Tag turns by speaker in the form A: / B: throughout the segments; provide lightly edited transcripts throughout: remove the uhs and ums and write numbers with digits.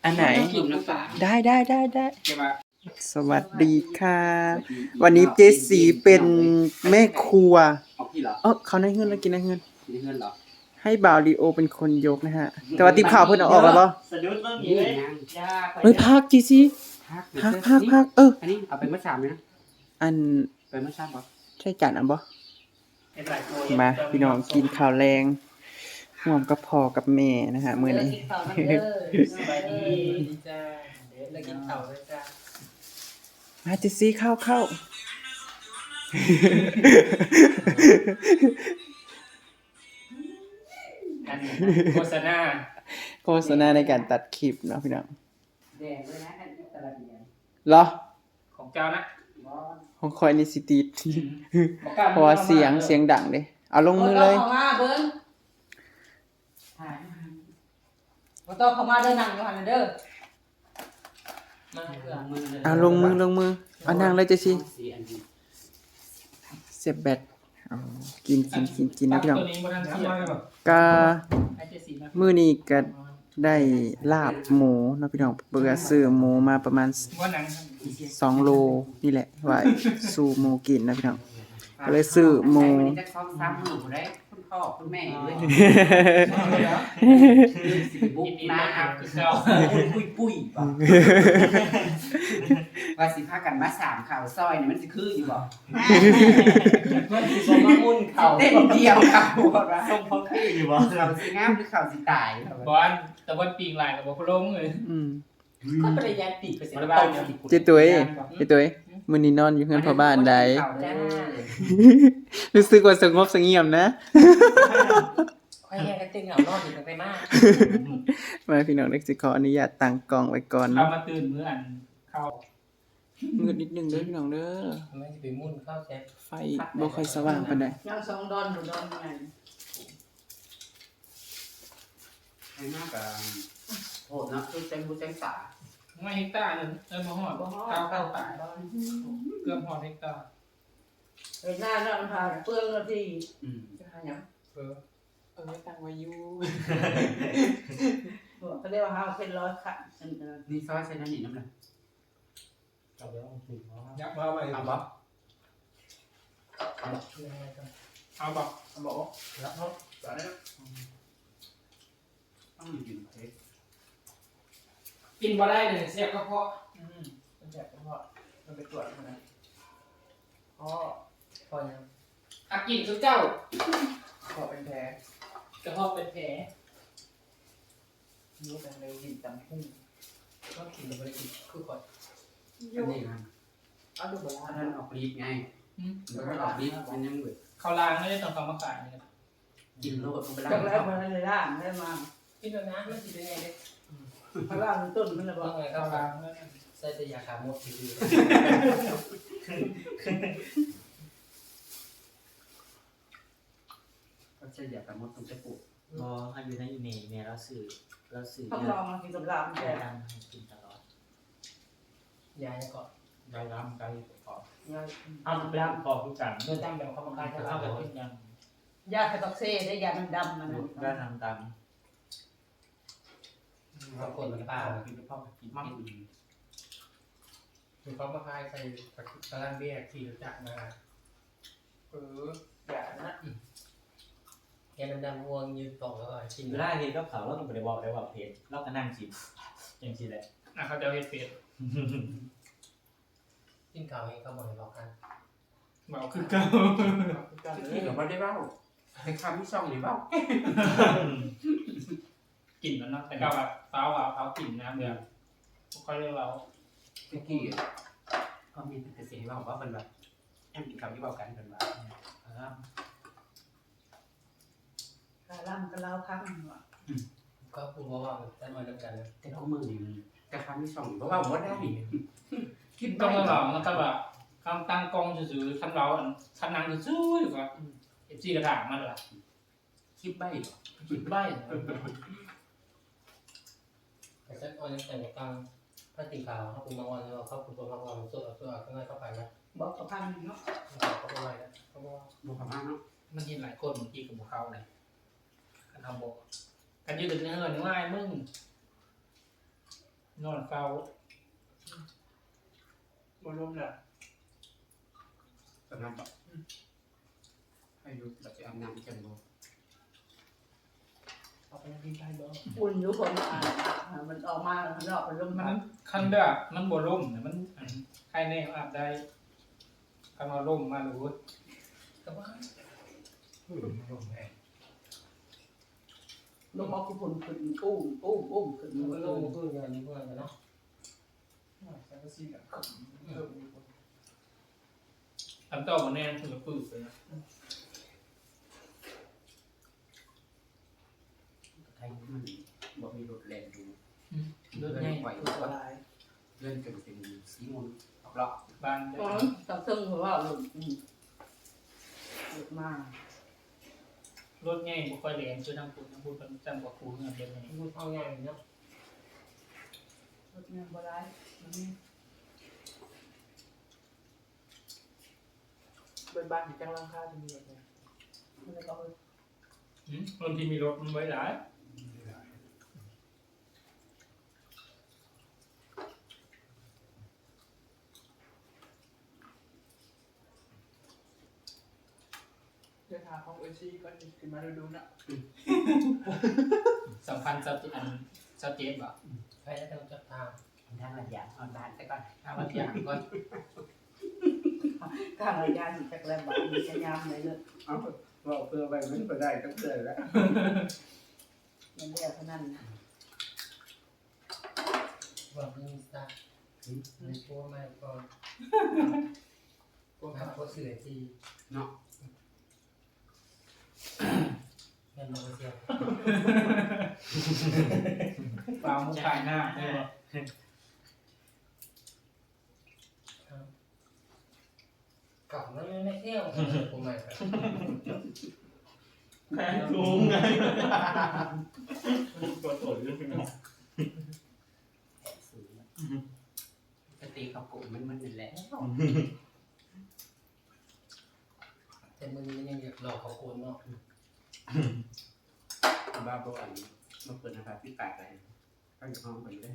A: อันไหนได้สวัสดีค่ะวันนี้เจสีเป็นแม่ครัวเขาในเงินแล้วกินในเงินเหรอให้บ่าวลีโอเป็นคนยกนะฮะแต่ว่าติบข่าวเพิ่นเอาออกแล้วบ่
B: สะดุดเบิ่งนี่เลย
A: เฮ้ยพักจีซีพัก
C: อันนี้เอาไปเมื่อ3เลยนะ
A: อัน
C: ไปเมื่อ3บ่
A: ใช่จานอันบ่มาพี่น้องกินข้าวแรงร่วมกับพ่อกับแม่นะฮะมื้อนี้
B: สบายดีจ้าเดี๋ยวเรากินข้าวด้วยจ้า
A: มาเจซี่เข้าโฆษณาในการตัดคลิปเนาะพี่น้อง
C: แดงด้วยนะอันนี้ตลาดแดง
A: เหรอ
B: ของเจ้านะ
A: ของคอยนี่สิติดเพราะว่าเสียงดังเด้เอาลงมือเลย
D: บ่ต้องเข้ามาเด้อนั่งอยู่หั่นเด้อ
A: เอาลงมือเอานั่งเลยเจซี่เสียบแบตกินนะพี่น้องก็มื้อนี้ก็ได้ลาบหมูเนาะพี่น้องเบื่อซื้อหมูมาประมาณ2 โลนี่แหละไว้สู่หมูกินนะพี่น้องก็เลยซื้อหมู
C: จะซ้อมซ้ำหนูได้คุณพ่อคุณแม่ด้วยบุกมาปุ้ยว่าสิพากันมา3ข่าวซอยนี่มันสิคืออยู่บ่
B: มันสิส่งมามุ่นเข่า
C: เต้นเดียวข่าวบ่ว่า
B: ส่งพอคืออยู่บ่
C: ข่าวสิงามหรือข่าวสิตาย
B: บ่อันแต่วันปีงหลายก็บ่ลงเลยก็ปริญญาติไปสิบ้าน
A: เจตุ้ยมื้อนี้นอนอยู่เฮือนพ่อบ้านใดรู้สึกว่าสงบเสงี่ยมนะ
B: ค่อยแยกกันตึงเหงานอนอยู่ตั้งแต่มา
A: มาพี่น้องเล็กสิขออนุญาตตั้งกล้องไว้ก่อนเนาะ
B: เอามาตื่นมื้ออันเข้า
A: มืดนิดนึงเด้อพี่น้องเด้อ
B: ไม่สิไปมุ่นเข้าแซ่
A: ไฟบ่ค่อยสว่างปานใด
D: ยัง2ดอนอยู่ดอนไง
C: ให้มากก็โหดเนาะคือจังผู้จังสา
B: ไม่เฮกตาร์นึงบ่ฮอดเข้าป่าเกือบฮอดเฮกตาร์
D: เวลาเนาะพาเปลืองนาที
A: จะหาหยังตั้งไว้อยู่
D: เขาเรียกว่าเฮาเป็น100ค่ะ
C: นี่ซอยใส่นั่นนี่น้ำเลย
B: เอาแล้วยักษ์มาไปเอาบ่เอาบ่แล้วเนาะ
C: ต้องอยู่เฮ็ด
B: กินบ่ได้เลยเสียบกระเพาะมันเสียบกระเพาะมันไปตรวจมันนะพอยังกินทุกเจ้า
A: ขอเป็นแผล
B: กระเพาะเป็นแผล
A: รู้แต่เลยกินตำพุ่ง
B: ก็กินบ่ได้กินคือก่อน
C: อันนี้นะ
B: เอาดูบ่ล่ะ
C: ท่านออกฤทธิ์ไงแล้วก็ออกฤทธิ์มันยังเบิด
B: เขาล้างไม่ได้ต้องเขามาขายนี่ครับ
C: กินโลดมันไปล้าง
D: แล้วมันเลยล่างได้มา
B: กินแล้วนะมันสิเป็นไงเด้
D: เขาล่างต้นมันน่ะบ่
B: เขาล้างใส่แต่ยาฆ่าหมดซื่อ
C: ก็จะอยากกับมดตรงจะปลูก
B: บ่ให้อยู่ในอีเมลแล้วสื่อ
D: ต้องลองมากินกับลาม
B: แต่กินตลอดยาก่อนยาล้ำไก่ก่อนเอาไปล้ำก่อนทุกอย่างเมื่อตั้งแบบเขามาขายเขาแบบเป็นยัง
D: ยาคาตอกเซ่ได้ยาดำมัน
B: ได้ทำตามบางคนมันป้ากินพ่อกินมั่งคือเขามาขายใส่ตะลังเบี้ยขี่รถจักรมาอย่านะแกดำๆวงยืนต่อแล้วชิม
E: ได้เห็นก็เขาแล้วก็ไปบอกได้ว่าเพจเราก็นั่งชิมอย่างชิมแหละ
B: เขาจะเห็นเพจกินข้าวเองเขาบอกกันบอกคือเก่า
C: ที่เราไม่ได้เบ้าในคำที่ช่องหรือเบ้า
B: กินแล้วเนาะแต่ก็แบบเปล่ากลิ่นน้ำเดือดค่อยเรียกเรา
C: ตะกี้ก็มีแต่เสียงเราว่าเป็นแบบแอมกินคำที่เบ้ากันเป็นแบบ
D: ล่ำก็เล่าครั้งว่ะ
B: ก็พูดว่าจะมาด้วยกัน
C: แต่เขามือนี่แต่คำที่ช่องเพราะว่าผมได้
B: คิดต้องมาหลอกแล้วก็แบบคำตั้งกองซื่อๆทำเราทำนางซื่อๆอยู่ก็FC กระถางมันล่ะ
C: คิดใบ
B: แต่เส้นออนแต่ในกลางถ้าติ่งขาวเขาปรุงมาวันเราเขาปรุงตัวมาวันสดข้างในเข้าไปนะ
D: บอกกับพันเนาะ
B: เขาไปไว้แล้วเขาบอก
C: บอกกับพันเนาะ
B: มันยินหลายคนเมื่อกี้กับเขาเลยกันทำบอกกันยืดดึงเนื้อง่ายมึงนอนเฝ้า
C: บนร่มแหละสำนักแบบให้รู้แบบจะเอาน้ำจังบ่เอาไปกินได้บ่
D: อุ่นอยู่คนมันออกมามันออกเป็นลม
B: มั
D: มันน
B: คันเด้อมันบ่ล่มเนี่ยมันใครแน่อาบได้คันว่าล่มมารู้ก็ว่า
C: ร่มแห้ง
D: ลมเอาผู้คนขึ้นอุ้มขึ้น
B: มันก็
D: ล
B: ล่ม
D: ม
B: เพื่อนกันเพื่อนกันเนาะ
C: สังกะสีแบบ
B: ทำเจ้าบ่แน่คือก็ปื้อไปนะ
C: ไทยมันบ่มีรถแล่นดู
B: เลือดใหญ่
C: ไหว
D: คือสบาย
C: เลื่อนจนเป็นสีมูลรอบ
B: บ้าน
D: อ๋อตับซึ่งเพราะว่าหลุดมาร
B: ถใหญ่บ่ค่อยแรงคือทางพูดมันจำกว่าครูเงินเดือนนี้
F: พูดเอาง่ายเนาะ
D: รถเงินบ่ได้
F: เป็นบ้านที่จ้างร่างค่าจะมีอะไร
D: มันเลยก็
B: คนที่มีรถมันไว้หลาย
F: เดินทางของเอซี่ก็จะขึ้นมาดูนะ
B: สัมพันธ์อันชัดเจนบ่
F: ใครจะต้องจับทาง
C: ๆทางระยะออนบ้านแต่ก่อนถ้าวันที่ก็
D: ข้างระยะสิจักแล้วแบบมีสัญญาณเลยเลย
C: เอาว่าเพื่อไปมันก็ได้ก็เพื่อแล้ว
D: มันเรียกเท่านั้น
F: บอกมีสตาร์ในพวกมาก่อนพวกขับรถเสือจี
C: เนาะ
F: เงินมาเสีย
B: ฟาวมุกขายหน้าได้บ่
F: กลับแล้วไม่เที่ยวผมใหม่ครับ
B: แพงสูงไงตัวโตเรื่องนี้
C: แอบสูงปกติเขาโกงมันนั่นแหละ
F: แต่มึงยังอยากหลอกเขาโกนเนาะ
C: บ้าบออันมาเปิดนะครับพี่ปากอะไรก็อยู่ห้องไปเลย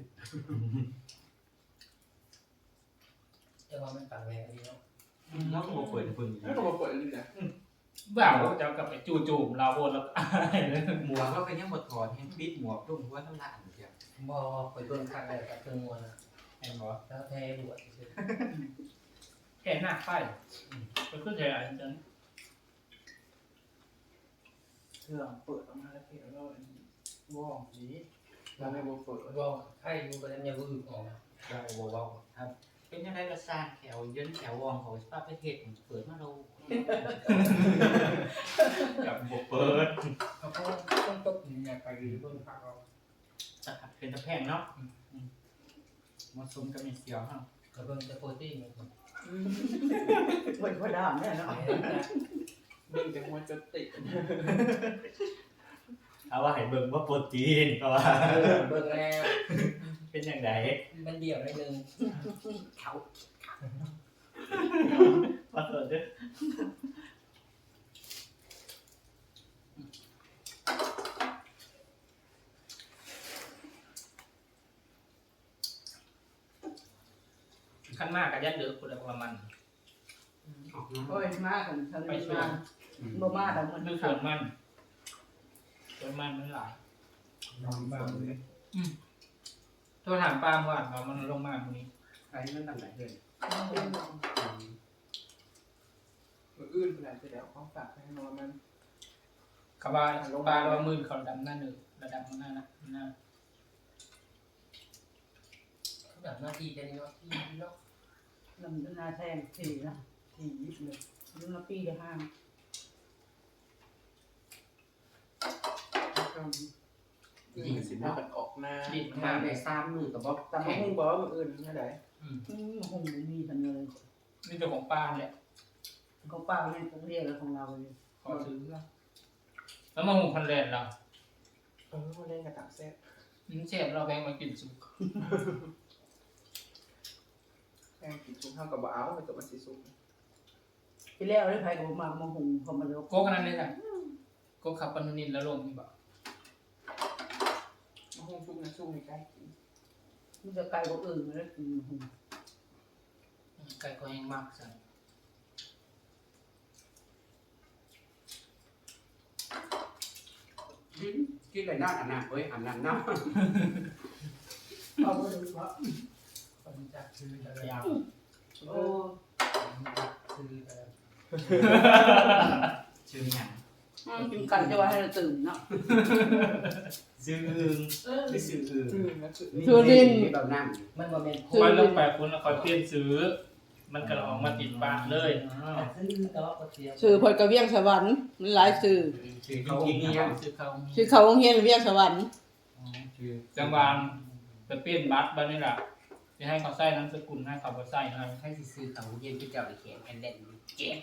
F: แต่ว่ามันต่างแรงดีเนาะ
E: แล้วก็เปิดพึ่ง
F: แล้วก็มาเปิดเลยนะ
B: บ่าวจะกลับไปจู่โจมเราโบนแล้วอายเลย
E: หมวกก็เป็นยังบดถอดให้ปิดหมวกรุ่งหัวทั้งหลานเดียว
F: บอไปโดนขัดอะไรกับเครื่องมวลนะ
B: เห็นบ่
F: แล้วแพ้บวชเฉย
B: แค่หน้าไฟก็คือแค่อันนั้น
F: เครื่องเปิดออกมาแล้วเห็นว่าว่องดีเราไม่บวเปิดว่องไอ้ยูไปแล้วเนี่ยก็อึออกมา
E: ได้ว้าวครับเป็นยังไงกระซานแถวเยินแถววองเขาสภาพประเทศเปิดมาเรา
B: กับบวกเปิด
F: เขาก็ต้องตกเนี่ยไปหรือบนพักเรา
B: จะเป็นตะแพงเนาะมาซุ่มกับมีเสียวเนาะ
F: กระเบื้องจะโปรตีนเนี่ย
D: เปิดพอดามเนี่ยเนาะ
F: เบื้องจะหัวจะติด
E: เอาว่าให้เบิ่งว่าโปรตีนก็ว่า
F: เบื้องแล้ว
E: เป็นยังไง
F: มันเดี่ยวได้นึง
C: เขา
E: มาเปิดด้วย
B: ขั้นมากกับยัดเดือดคุณประมาณ
C: ออกมา
D: โอ้ยมากกันทะเลมาบ่มาแต่มัน
B: คือส่วนมันมันหลาย
C: นอนบ้างเลย
B: โทรถามป้าเมื่อวานว่ามันลงมาตรงนี้
C: ไอ้นั่นต่างไหนเลย
F: มืออื่นขนาดจะเดี๋ยวของฝากให้นอนมัน
B: กบาปลาเรามือเขาดำหน้าหนึ่งระดับหน้านะหน้า
F: แบบหน้าที่จะเนาะที่เนาะ
D: ลำนาแทงถี่นะถี่ยิบเลยรุ่นละปีละห้าง
F: ยิงสิบมันออกมา
B: ดิบ
C: มา
B: มา
C: ในซ้ำมือกับบ๊อบ
F: แต่มาหุ้งบอกว่ามืออื่นไม่ได้
D: คงไม่มีทันเลย
B: นี่เจ้าของป้าแหละ
D: เขาป้าเนี่ยต้องเรียกอะไรของเราเลย
B: ขอซื้อแล้วมาหุงคันแรกเรา
F: มาเล่นกับต่างเซต
B: เชฟเราแบงมากินสุก
F: แข่งกินชุบข้าวกับบ้าวไปตัวมันสีสุก
D: ที่แล้วได้ใครกับมาหุงเขามาแล้ว
B: โก้กันนั้นเลยค่ะโก้ขับปนุนินแล้วลงนี่บอก
F: มาหุ้งชุบนะชุบในใกล้กิน
D: มันจะไกลกว่าอื่นเลย
E: ไก่ก็ยังมากสั่ง
C: กินเลยน้าอาบน้ำเฮ้ยอาบน้ำน้
D: เอาไปดูว่า
F: คนจักชื่อแต่ละ
E: ยาว
D: โอ้
F: ชื่อแต่ละ
E: ชื่อหยัง
D: กินกันจะว่าให้เราตื่นเนาะ
E: ชื่ออึงหรือชื่ออึง
C: ำ
D: สุรินทร์
C: มีแบบน้
F: มันบ่แม่น
B: คอยลงไปคุณแล้วคอยเปลี่ยนซื้อ มันก็ออกมาติดปากเลย
F: ชื่อแต่ว่าก็เทียม
D: สื่อพลกระเวียงสวรรค์มันหลายสื่อ
E: ชื่อเขาจริงๆเนี่ยชื่อเขา
D: ชื่อเขาโรงเรียนเวียงสวรรค์
E: ชื่อ
B: จังหวะไปเปลี่ยนบัตรบ้านนี่แหละจะให้เขาใส่นามสกุลให้เขาบ่ใส่ให้
E: ให้ซื้อเขาเย็นที่เจ้าได้เขียนแอนเดนเจ๊ก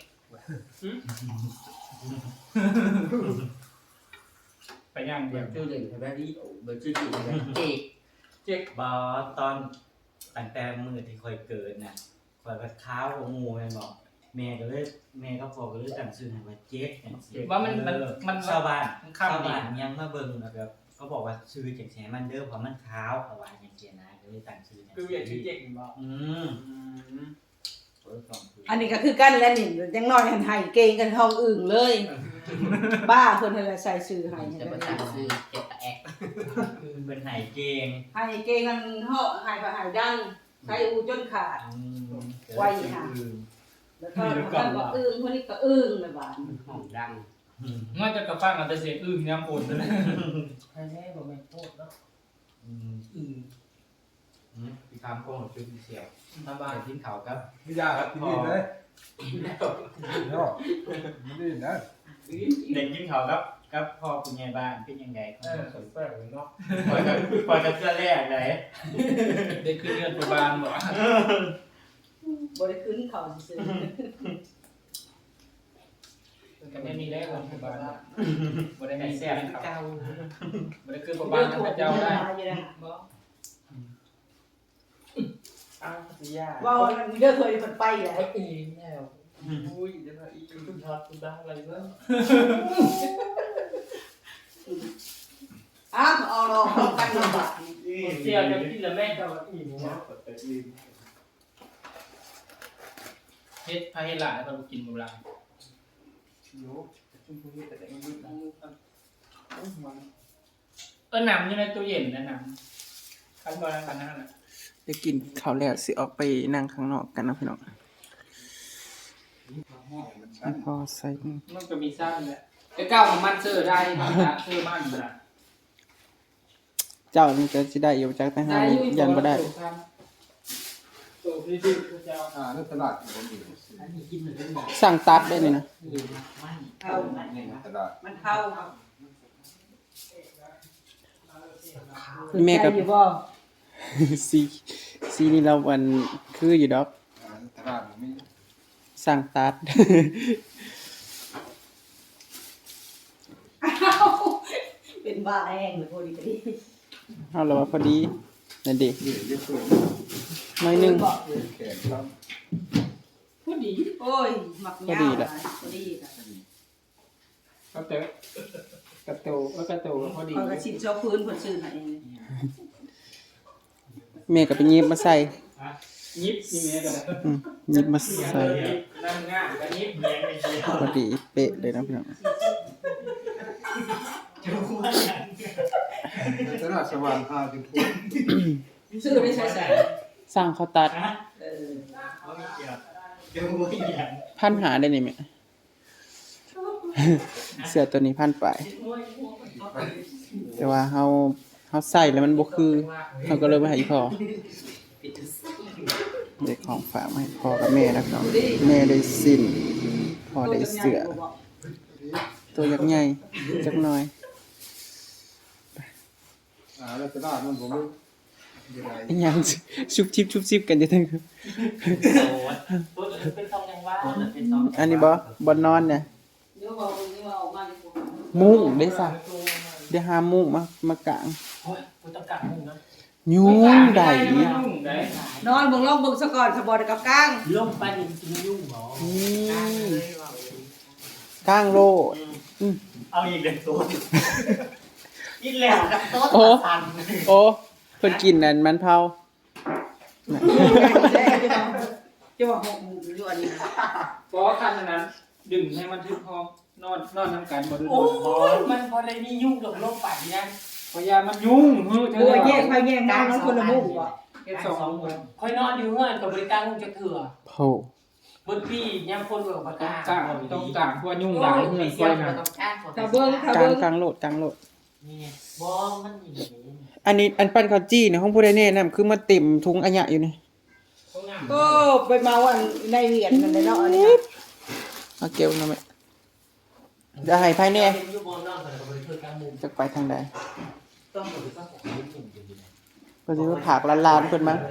B: ไปย่าง
C: ำ
B: เดี
C: เดี๋
B: ย
C: ยว วชื่อเล่นใช่ไหมนี่เบอร์ชื่อจริงใช่ไหมเจ๊ก
E: เจ๊กบอตอนตั้งแต่มือที่คอยเกิดน่ะคอยกัดข้าวของงูแม่บอกแม่ก็เลยแม่ก็พอก็เลยตั้งชื่อให้ว่าเจ๊กจังซี่
B: ว่ามัน
E: ชาวบ้าน
B: มัน
E: ชาว
B: ข้ามดี
E: บ้านยังมาเบิ่งแล้วแบบเขาบอกว่าชื่อจังซี่มันเด้อเพราะมันขาวเขาว่าจังซี่นะก็เลยตั้งชื่อจัง
F: คืออยากชื่อเจ๊กบอก
E: เปิดกล่องคือ
D: อันนี้ก็คือกันแล้วนี่ยังน้อยหันให้เก่งกันห้องอื่นเลย บ้าเพิ่นให้ใส่สื่อให้
E: จะมาตั้งชื่อเจ็ดแอกคือเป็นไหเกง
D: ให้เก่งกันเฮาให้ก็ให้ดังใส่อูจนขาด ไว้ค่ะ แล้วก็มันก็อึ้งคนนี้ก็อึ้งเลยบาด
C: ห้องดัง
B: น่าจะกระฟังอันแต่เสียงอึ้งย้ำปนเลย
F: ให้แม่บ่แม่นโคตรเนาะ
E: พี่คำโกงชื่อพี่เสี่ยว
F: มาบ้า
E: แต่
F: น
E: ทิ้งเขาครับ
G: ไม่ยากครับที่นี่เลยเนาะไม่ได้นะ
E: เด็กทิ้งเขาครับพ่อคุณยายบ้านเป็นยังไง
F: สนแปลกเนาะ
E: ปล่อยกับเสื้อแรกเลย
B: ได้ขึ้นเงินประบาลบอก
D: บ่ได้ขึ้นเขาซื่อ
B: ก็ไม่มีได้คนประบาลบ่ได้
E: แต่
B: มี
E: แซ่
B: แซ่
E: บบ เก่า
B: บ่ได้ขึ้นประ
D: ๆ
B: บาล
D: ถูก
B: พระเจ้าได้
D: อยู่นะ
F: อ้าวสิยา
D: ว่าเด้อเคยเพิ่นไปแหละ
F: ไอ้ปีแล้วอุ้ยจะมาอีกคุณทอดคุณบ้าอะไรเนาะ
D: อ้าวเอาเนาะกันลำบาก
F: เสียจะกินแล้วแม่จะมาอีกเนาะ
B: เฮ็ดพาเฮ็ดหลายเรากินบ่หลาย
F: โยชุ่มพูดแต่ไม่รู้นะ
B: น้ำอยู่ในตู้เย็นนะน้ำคันบ่คันนั้นน่ะ
A: ได้กินข้าวแล้วสิออกไปนั่งข้างนอกกันนะพี่น้องพอใส่
B: มันก็มีซ่าแหละไอ้ก้าวของมันเสื้อได้นะเสื้อมันน่ะ
A: เจ้านี่ก็สิได้อยู่จักแต่หายันบ่ได้
B: ตัวพี่ดื้อพระเจ้า
G: ในตลาดผมอยู่
E: อันนี้กินเหมือนกันบอก
A: สั่งตัดได้นี่นะ
E: ไม่
D: เอา
G: ในตลาด
D: มันเข้า
A: แม่กับ
D: อยู่บ่
A: ซีนี่เราวันคืออยู่ดอก
G: ในตลาดผมมี
A: สั่งตัด
D: เป็นบ้าแห้งเลยพอดี
A: เอาละว่าพอดีนั่นดิ
G: เยอะเกิน
A: หน่อยหนึง
G: แขนครับ
B: พอดี
D: โอ้ยหมักยาวพอดีค่ะ
B: ก็เจอกระโตกระโตพอดี
D: เขาก็สินชอบพื้นเพิ่นซื้อให้
A: แม่ก็ไปหยิบมาใส่
B: ยิบนี่แม่ก็ได้
A: หยิบมาใส่
B: นั่งง่ายก็ยิบเมียงไม่เดียว
A: พอดีเป๊ะเลยนะพี่น้อง
G: ในตลาดสว่าง5ถึงพุธ
D: ซื้อได้ใช้ใส่
A: สั่งข้าวตัด
D: เออ
A: พันหาได้นี่แม่ เสื้อตัวนี้พันไปแต่ว่าเฮาใส่แล้วมันบ่คือเฮาก็เลยไปให้พ่อเด็กของฝากมาให้พ่อกับแม่นะพี่น้องแม่ได้สิ้นพ่อได้เสื้อตัวยักษ์ใหญ่จักหน่อย
G: ในตลาดมันผมมีอะไร
A: อิหยังชุบชิบกันจะถึง
E: เป็นซองยังว่าเป็นซอง
A: อันนี้บ่นอนเนี่ย
D: เดี๋ยวเอานี่ว่าออกมาดีกว่า
A: มุ้งได้ซะเดี๋ยวหามุ้งมากาง
F: โอ้ยกูต้องกัดมึงนะ
A: ยุงได้
B: ยุ่งได้
D: นอนเบิ่งลองเบิ่งซะก่อนสะบอดกับกลาง
E: ลงไปนี่กินยุ่งหรอ
A: นี่กางโลด
E: เอาอีกเด็กตัวกินแล้วกับโต๊ะสั่น
A: โอ้เพิ่นกินนั่นมันเผา
D: จะว่า6โมงอยู่อันนี้นะ
B: เพราะคันนั้นดึงให้มันทึบห้องนอนน้ำกันบ่ดึง
F: โอ้ยมันพอได้มียุ่งกับโลกป่านนี้
B: พยามันยุ่งเฮ้ย
D: โอ้ยแยกไปแยกมาแล้วคนละมุมบ่
B: เฮ็ด2 โมง
F: คอยนอนอยู่เฮือนกับบริการคงจะเถื่อ
A: โห
F: บนพี่ย่ำคนเบิกปาก
B: ต้อง
F: กา
B: ต้องเพราะว่ายุ่งหลายเฮือนค่อยนะ
D: ถ้าเบิ่ง
A: กลางกลางโหลดกลางโหลด
F: นี่บอมมันอย่างนี้
A: อันนี้อันปั้นข้าวจี้เนี่ยของผู้ใดแน่นำคือมาเต็มถุงอัญญะอยู่นี่
D: ก็ไปเมาอันในเวียนนั่นแหละเนาะอันนี้
A: เอาเกลียวหน่อยไหมจะให้ภายใน
F: อยู่บนนอกกับบริการกลางมุม
A: จะไปทางใด
F: ต้องบริการของมุมอยู่ดี
A: ก็สิว่าผากลานๆเพิ่นมั้ง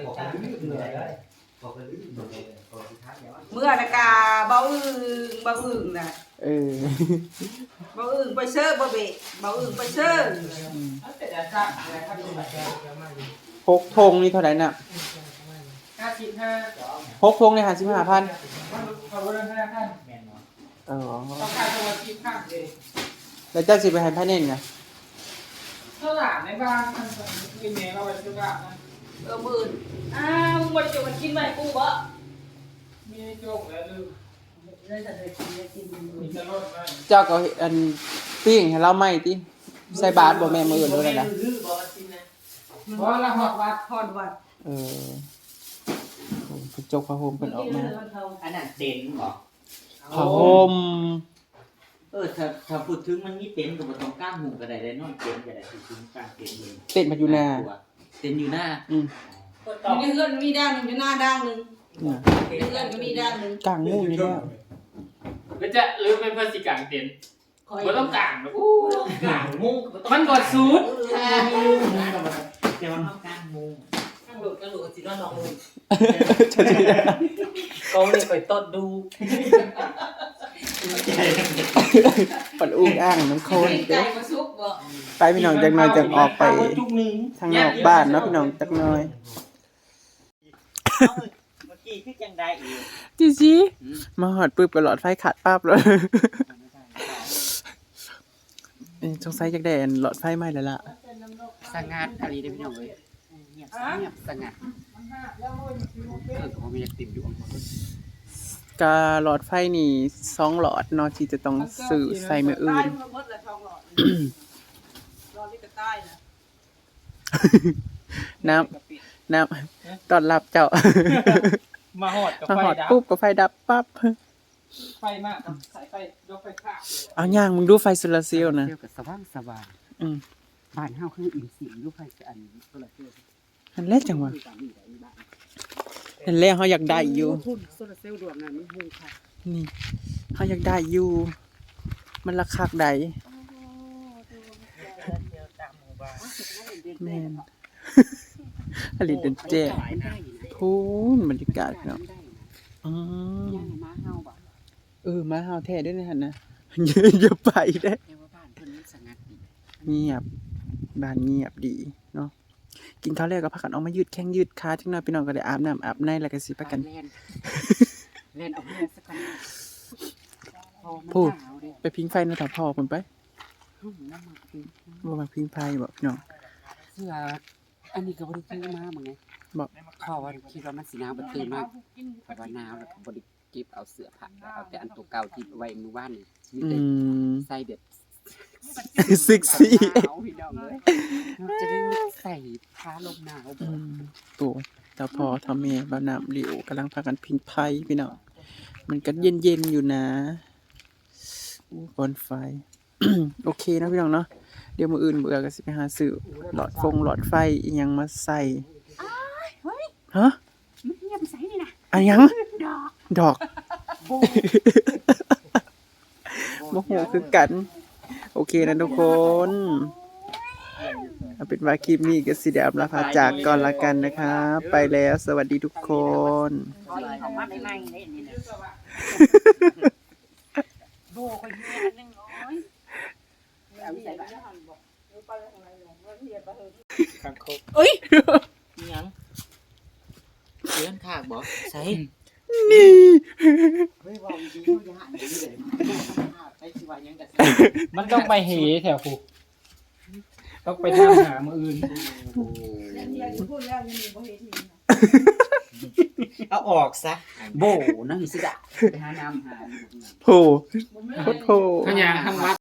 D: เมื่อนะกาเบาอึ่งน่ะ
A: เออ
D: เบาอึ่งไปเซิร์ฟบ่เบะเบาอึ่งไปเซิร์ฟ
B: แต่จะสร้างอะไรครับดูแบบ
A: พกธงนี่เท่าไหร่น่ะ
B: 55
A: พกธงนี่55,000
B: เขาเรื่อง5,000
E: แม่นบ่
A: อ๋อ
B: ต้องการตัวที่ข้างเอง
A: แล้วเจ้าสิไปให้ภายในนี่ไง
B: เท่าหลานในบ้านมันเป็นแม่เราไปซื้อบ้านนะ
D: มื่นมึงบ่ได้จะมากินไหมกูบ่
B: มีโจกแล้วลืม
D: เลยจะได้กิน
B: มีจะรถไหม
A: เจ้าก็อันปิ้งให้เราไหม้ติใส่บาตรบ่แม่มื้ออื่นด้วยนะ
F: รื้อบอลจริงนะ
B: เพราะเราหอดวัด
D: พอดวัด
A: เออโอ้กระจกผ้าห่มเพิ่นออกมา
E: อันนั้นเต็นท์บ่
A: ผ้าห่ม
E: ถ้าพูดถึงมันมีเต็นท์ก็บ่ต้องกางมุงก็ได้นอนเต็นท์ก็ได้ถึงกางเต็นท์เลย
A: เต้นมาอยู่หน้า
E: เต็นท์อยู่หน้า
A: อืม
D: มีเพื่อนมีด้านหนึ่งอยู่หน้าด้านหนึ่ง
A: น่ะ
D: มีเพื่อนก็มีด้านหนึ่ง
A: กลางมุ้งนี่แล้ว
B: แล้วจะหรือเป็นเพื่อนสิกางเต็นท์
D: คอย
B: บ่ต้องกางหรอกอู้
F: กลางมุ้ง
B: มันกดซูด
E: แต่ว่าต้องกางมุง
F: ข้างหลุดก็หลุดสินอนนองมุ้ง
A: จะสิ
F: เขาเลยไปต้นดู
A: ปัดอุ้งอ้างน้ำโคน
D: ใจ
A: เด้อ
D: มาซุกบ่
A: ไปพี่น้องจักหน่อยจังออกไป
F: จุกหนึ่ง
A: ทางนอกบ้านเนาะพี่น้องจักหน่อย
E: เมื่อกี้คือจังได้อีก
A: จิมาหอดปึ๊บก็หลอดไฟขาดปั๊บเลยสงสัยจักได้อันหลอดไฟไหม้แล้วล่ะ
C: สงัดอะไรได้พี่น้องเอ้ยเงียบสงัดผมมีติ่มอยู่
A: กาหลอดไฟนี่2หลอดเนาะที่จะต้องซื้อใส่มื้ออื่น
D: หมดละทองหลอดรอที่กระต้ายนะ น้ำตอนรับเจ้า
B: มาหอดกับ
A: มา
B: ไฟ
A: หอด
B: ดับ
A: ปุ๊บก็ไฟดับปั๊บ
B: ไฟมากสายไฟยกไฟข้าง
A: เอาย่างมึงดูไฟโซลาร์เซลล์นะ
C: เที่ยวกับสว่างสว่าง
A: อืม
C: บ้านเฮาคืออินสิลูกไฟอันโซลาร์เซลล์
A: อันแรกจังหวะอันแรกเขาอยากได้อยู่
C: ทุนโซลาร์เซลล์ดวงนั้นมันฮู้ค่ะ
A: นี่เขาอยากได้อยู่ มันราคาใดแม่น อลิเดนเจพูนบรรยากาศเนาะอ๋อ
C: ม้าเฮาบ่
A: มาเฮาแท้ด้วยนะฮะนะ อย่าไปได้
C: แต่ว่าบ้านเพิ่นมันสงัดดี
A: เงียบบ้านเงียบดีเนาะกินข้าวแรกก็พากันออกมายืดแข้งยืดขาจังหน่อยพี่น้องก็ได้อาบน้ำอาบในแล้วก็สิพากัน
C: เล่นเอาเพื่อนสักคนพูด
A: ไปพิงไฟนะถ้าพ่อเพิ่นไปบ่มาพิงไฟบ่พี่น้อง
C: เสื้ออันนี้ก็บ่ได้ซื้อมาเหมือนไง
A: บอก
C: ข้อว่าคิดว่ามันสิหนาวบ่ตื่นมาเพราะว่าหนาวแล้วก็บ่ได้เก็บเอาเสื้อผ้าเอาแต่อันตัวเก่าที่ไว้มื้อวานนี่มีแต่ใส่แบบ
A: เซ็กซี่
C: หนาวพี่น้องเอ้ยจะได้ใส่ผ้าลมหนาวบ่
A: ตัวเจ้าพ่อเท่าแม่บ่าวน้ำเหลวกำลังพากันพิงไฟพี่น้องมันก็เย็นๆอยู่นะบอนไฟ โอเคนะพี่น้องเนาะเดี๋ยวมื้ออื่นเบื่อก็สิไปหาซื้อหลอดไฟอีหยังมาใส่ฮะ
C: มันเงียบใส่นี่นะ
A: อันหยัง ดอก
C: โบ
A: โมโหคือกัน โอเคนะทุกคนเอาเป็นว่าคลิปนี้ก็สิได้อำลาพาจากก่อนละกันนะคะไปแล้วสวัสดีทุกคน
C: ของมาใหม่ๆเลยนี่นะโบก็เงียบนึงน้อยเอาใส่บ้าน
B: ข้างคก
E: ยังเลื่อนขากบ่ใส่
A: นี่
C: เฮ้ยว่าดีเขาอย่าหันดีเลยไปสิว่ายังก็
B: มันต้องไปเหแถวผูกต้องไปทำหามืออื่น
D: แล้วที่พูดแล้วยังมีบ่เห็นอีก
C: เอาออกซะโบนั่งสิดะไปหาน้ำหา
A: โผล่
D: บ่แม่น
A: โคตรโผล่
B: ขยะทำวัด